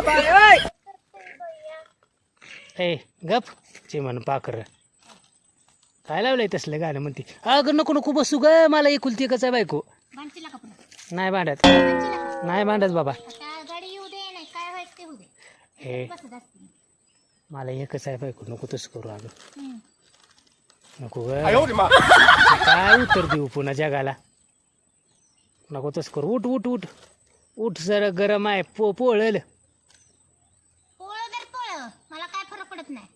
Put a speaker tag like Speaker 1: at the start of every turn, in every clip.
Speaker 1: ए गप चिमण पाखर काय लावलंय तसलं गाणं म्हणते. अगं नको नको बसू ग, मला एकुलती एकच आहे बायको. नाही भांडत नाही भांडत बाबा. हे मला एकच आहे बायको, नको तसं करू. अगं नको ग, काय उत्तर देऊ पुन्हा जगाला. नको तसं करू. उठ उठ उठ उठ, जरा गरम आहे. पोळल
Speaker 2: मला काय फरक पडत नाही.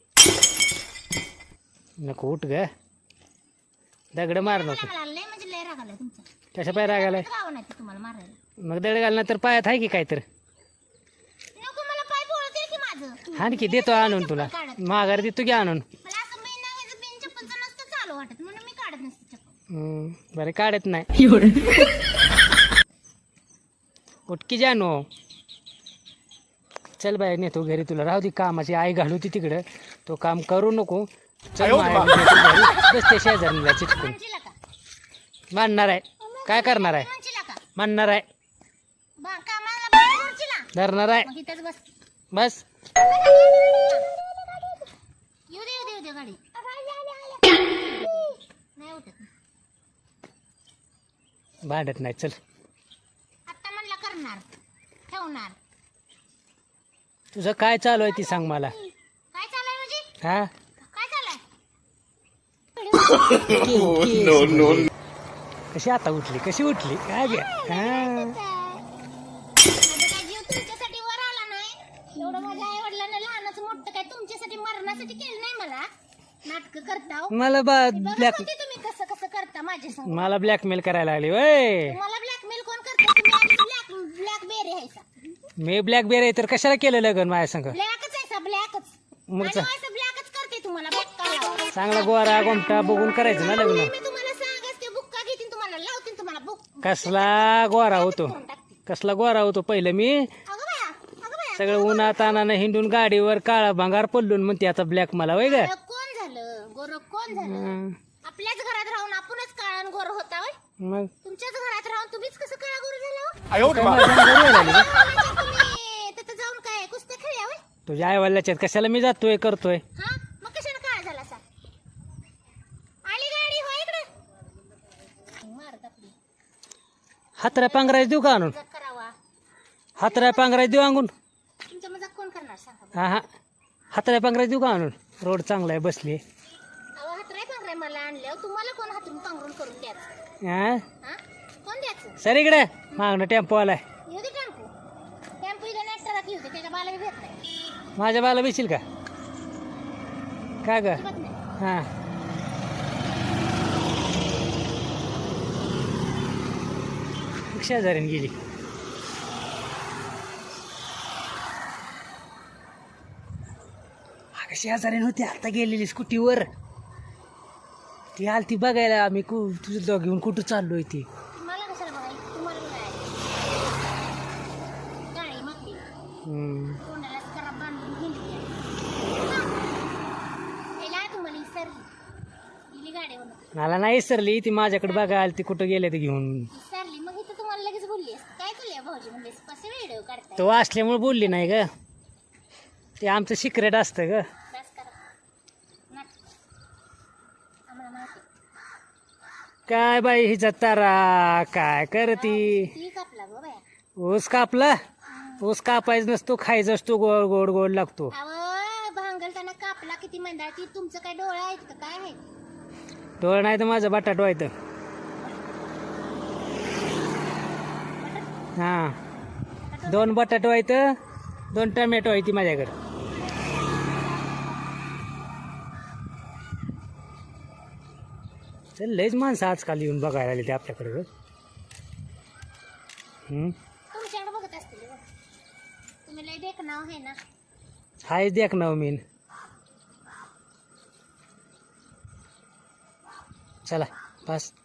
Speaker 1: नको उठ ग, दगड मार नको.
Speaker 2: म्हणजे लय राग आलाय तुमचा.
Speaker 1: कशा पाय राग आलाय?
Speaker 2: गाव नाही तुम्हाला मारायला.
Speaker 1: मग दगड घालणार तर पायात आहे की काय तर.
Speaker 2: नको मला पाय पोळते की माझं.
Speaker 1: हाण की देतो आणून तुला, माघार देतो की आणून.
Speaker 2: मला असं बिन चप्पलचं नसतं चालू वाटत म्हणून मी काढत नसते चप्पल.
Speaker 1: बरं काढत नाही. उठकी जानो, चल बाय नेतो घरी तुला. राहू दे कामाची आई घालू ती तिकडं, तो काम करू नको. चल बसते शेजारीला चिटकून.
Speaker 2: म्हणशीला का?
Speaker 1: मानणार आहे, काय करणार आहे?
Speaker 2: म्हणशीला का?
Speaker 1: मानणार आहे,
Speaker 2: कामाला बाहेर म्हणशीला?
Speaker 1: धरणार आहे.
Speaker 2: मग इथंच बस.
Speaker 1: बस
Speaker 2: येऊ दे गाडी. नाही उठत.
Speaker 1: भांडत नाही. चल
Speaker 2: आता म्हणला करणार ठेवणार.
Speaker 1: तुझं काय चालू आहे ती सांग मला.
Speaker 2: काय चाललंय म्हणजे?
Speaker 1: हा
Speaker 2: काय चाललंय?
Speaker 1: कशी आता उठली, कशी उठली काय घ्या.
Speaker 2: माझा काय जीव तुमच्यासाठी वर आला नाही. एवढं माझ्या आई वडिलांना लहानाचं मोठं काय तुमच्यासाठी मरणासाठी केलं नाही. मला नाटक करता हो.
Speaker 1: मला ब्लॅक
Speaker 2: तुम्ही कसं कसं करता माझ्या संग.
Speaker 1: मला ब्लॅकमेल करायला लागली वय.
Speaker 2: मला ब्लॅकमेल कोण करतं? तुम्ही आधी ब्लॅक बेरी आहे सा.
Speaker 1: मी ब्लॅक बेर आहे तर कशाला केलं लग्न माझ्या संग?
Speaker 2: ब्लॅकच आहे सा, ब्लॅकच.
Speaker 1: मग
Speaker 2: आणि असं ब्लॅकच करते तुम्हाला. बुक्का
Speaker 1: चांगला गोरा गोमटा बघून करायचं ना लग्न.
Speaker 2: मी तुम्हाला सांगच ते बुक्का घेतील तुम्हाला, लावतील तुम्हाला बुक.
Speaker 1: कसला गोरा होतो, कसला गोरा होतो पहिलं मी.
Speaker 2: अगं बाया
Speaker 1: सगळं उन्हात तानानं हिंडून गाडीवर काळा भांगार पडलून म्हणते आता ब्लॅक मला वय ग.
Speaker 2: कोण झालं गोर? कोण झालं? आपल्याच घरात राहून आपणच काळा गोर होता होय.
Speaker 1: मग
Speaker 2: तुमच्याच घरात राहून तुम्हीच कसं काळा गोर झाला? तुम्ही तिथं जाऊन काय कुस्त्या खेळल्या होय?
Speaker 1: तुझ्या आईवडिलाच्यात कशाला मी जातोय करतोय.
Speaker 2: हा मग कशाने काळा झाला सा? आली गाडी हो इकडे. मारत आपली
Speaker 1: हातऱ्या पांघरायच देऊ का आणून?
Speaker 2: मजाक करावा.
Speaker 1: हातऱ्या पांघरायच देऊ आणून?
Speaker 2: तुमचा मजाक कोण करणार सांगा?
Speaker 1: हा हा हातऱ्या पांघरायच देऊ का आणून? रोड चांगला आहे बसली.
Speaker 2: अहो हातराय पांघराय मला आणल्यावर तुम्हाला कोण हातरून पांघरून करून द्यायचं?
Speaker 1: हा
Speaker 2: हा कोण द्यायचं?
Speaker 1: सर इकडे मागणं टेम्पो आलाय.
Speaker 2: येऊ दे टेम्पो. टेम्पो इथं नेटला येऊ दे, त्याच्या बाला भेट नाही.
Speaker 1: माझ्या बाला बेशील का काय ग?
Speaker 2: अजिबात नाही.
Speaker 1: हा शेजारीन गेली. शेजारीन होती आता गेलेली स्कूटीवर. ती आलती बघायला आम्ही तुझं दॉग घेऊन कुठं चाललोय ती.
Speaker 2: मला कशाला बघायचं? तुम्हाला बघायचं. गाडी मागली तोंडाला खराब बांधून हिंडली. तुम्हाला सरली गाडीवर
Speaker 1: मला नाही विसरली ती, माझ्याकडे बघायला आलती कुठं गेले ते घेऊन.
Speaker 2: विसरली. मग इथं तुम्हाला लगेच बोलली असते. काय केलं भाऊजी म्हणजे कसे व्हिडिओ काढताय?
Speaker 1: तो असल्यामुळे बोलली नाही ग, ते आमचं सिक्रेट असतं ग.
Speaker 2: बस करा नाटक. आम्हाला माहिती.
Speaker 1: काय बाई हिचा तारा काय करती.
Speaker 2: ती कापला गो बाया.
Speaker 1: ऊस कापला. ऊस कापायचं नसतो, खायचा असतो, गोड गोड गोड लागतो.
Speaker 2: अहो भांगलताना कापला किती मंदाळ. ती तुमचं काय डोळा आहेत का काय आहे?
Speaker 1: डोळं नाही तर माझं बटाटो आहे तर. हा 2 बटाटो आहेत, 2 टमॅटो आहे ती माझ्याकडे. चल लयच माणसं आजकाल येऊन बघायला आली ते आपल्याकडे.
Speaker 2: तुमच्याकडे बघत असतील हो. तुम्ही लय देख नाव आहे ना.
Speaker 1: हाय देख ना मीन. चला बस.